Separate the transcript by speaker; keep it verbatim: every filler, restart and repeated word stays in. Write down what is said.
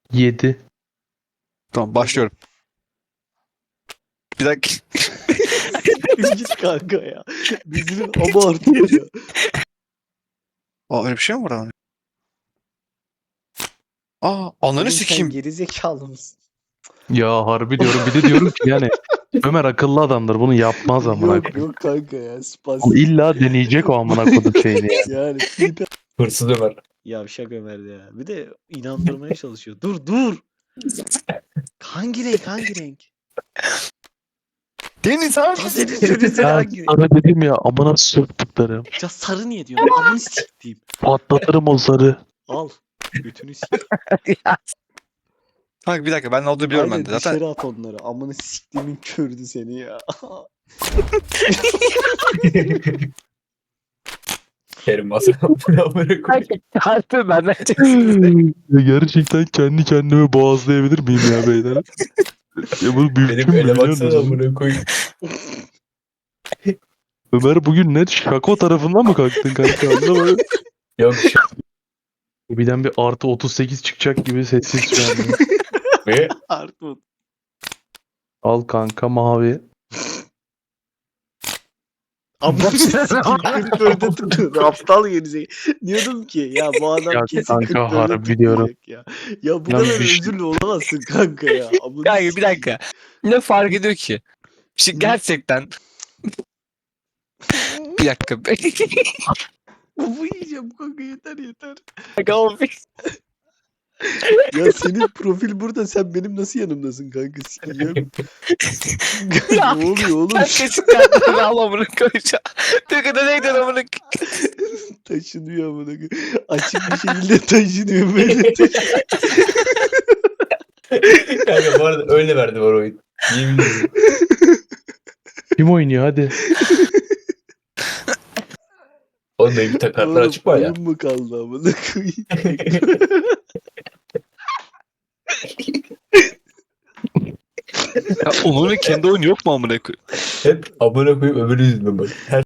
Speaker 1: Yedi.
Speaker 2: Tamam başlıyorum. Bir dakika.
Speaker 3: Git kanka ya. Dizinin abartıyor ya.
Speaker 2: Aa öyle bir şey mi var abi? Aa
Speaker 3: Oğlum
Speaker 2: ananı
Speaker 3: sen
Speaker 2: sikeyim.
Speaker 3: gerizekalı mısın?
Speaker 1: Ya harbi diyorum. Bir de diyorum ki yani Ömer akıllı adamdır. Bunu yapmaz amına
Speaker 3: Yok
Speaker 1: koyayım.
Speaker 3: yok kanka ya.
Speaker 1: Ama
Speaker 3: Spastik.
Speaker 1: illa deneyecek o amına kodum şeyini yani.
Speaker 3: Yani flip.
Speaker 4: Hırsız Ömer.
Speaker 3: Yavşak Ömer ya. Bir de inandırmaya çalışıyor. Dur dur. Hangi renk hangi renk?
Speaker 2: Deniz abi.
Speaker 3: Ya senin söylesene
Speaker 1: Ya
Speaker 3: hangi renk?
Speaker 1: sana dedim ya amına soktuklarım.
Speaker 3: Ya sarı niye diyorsun? Amını siktiğim.
Speaker 1: Patlatırım o zarı.
Speaker 3: Al. Götünü sik.
Speaker 2: Kanka bir dakika ben ne olduğunu biliyorum
Speaker 3: Aynen
Speaker 2: ben de. Zaten
Speaker 3: dışarı at onları. Amını siktiğimin kördü seni ya.
Speaker 4: Kerim masrafını amına koyayım.
Speaker 5: Harbi benden çeksin.
Speaker 1: Ya gerçekten kendi kendime boğazlayabilir miyim ya beyler? Ya bu mümkün
Speaker 4: Benim
Speaker 1: mü
Speaker 4: ele
Speaker 1: biliyor
Speaker 4: baksana
Speaker 1: musunuz?
Speaker 4: amına koyayım.
Speaker 1: Ömer bugün net şako tarafından mı kalktın kanka anlamadım.
Speaker 4: Yok şu
Speaker 1: Birden bir artı otuz sekiz çıkacak gibi sessiz şu anda.
Speaker 4: ve
Speaker 3: Artmut.
Speaker 1: Al kanka mavi.
Speaker 3: Amını siktiğim kırk dörde tıklıyordu. Aptal gerizekalı. Diyordum ki ya bu adam
Speaker 1: Ya
Speaker 3: kesin
Speaker 1: kanka,
Speaker 3: kırk dörde
Speaker 1: harbi diyorum.
Speaker 3: tıklayacak ya. Ya bu
Speaker 1: Lan
Speaker 3: kadar
Speaker 1: bir şey-
Speaker 3: özürlü olamazsın kanka ya. Amını
Speaker 5: Kanka bir
Speaker 3: sikeyim.
Speaker 5: dakika. Ne fark ediyor ki? İşte gerçekten bir dakika.
Speaker 3: Bu yiyeceğim kanka yeter yeter.
Speaker 5: Kanka o bir-
Speaker 3: Ya senin profil burada sen benim nasıl yanımdasın kanka sikeceğim.
Speaker 5: Ya,
Speaker 3: ne oluyor oğlum?
Speaker 5: Sen kesin kartlarını al amına koyacağım. Türkiye'de neyden amına
Speaker 3: Taşınıyor amına koyayım. Açık bir şekilde taşınıyor böyle taşınıyor.
Speaker 4: kanka bu arada öyle verdi var oyun. Yemin ederim.
Speaker 1: Kim oynuyor hadi.
Speaker 4: Oğlum benim bir kartlar
Speaker 3: Oğlum
Speaker 4: açık var ya.
Speaker 3: oyun mu kaldı amına koyayım?
Speaker 2: Ya Onur'un kendi oyunu yok mu amına koyayım?
Speaker 4: Hep amına koyup öbürü yüzünden bak. Her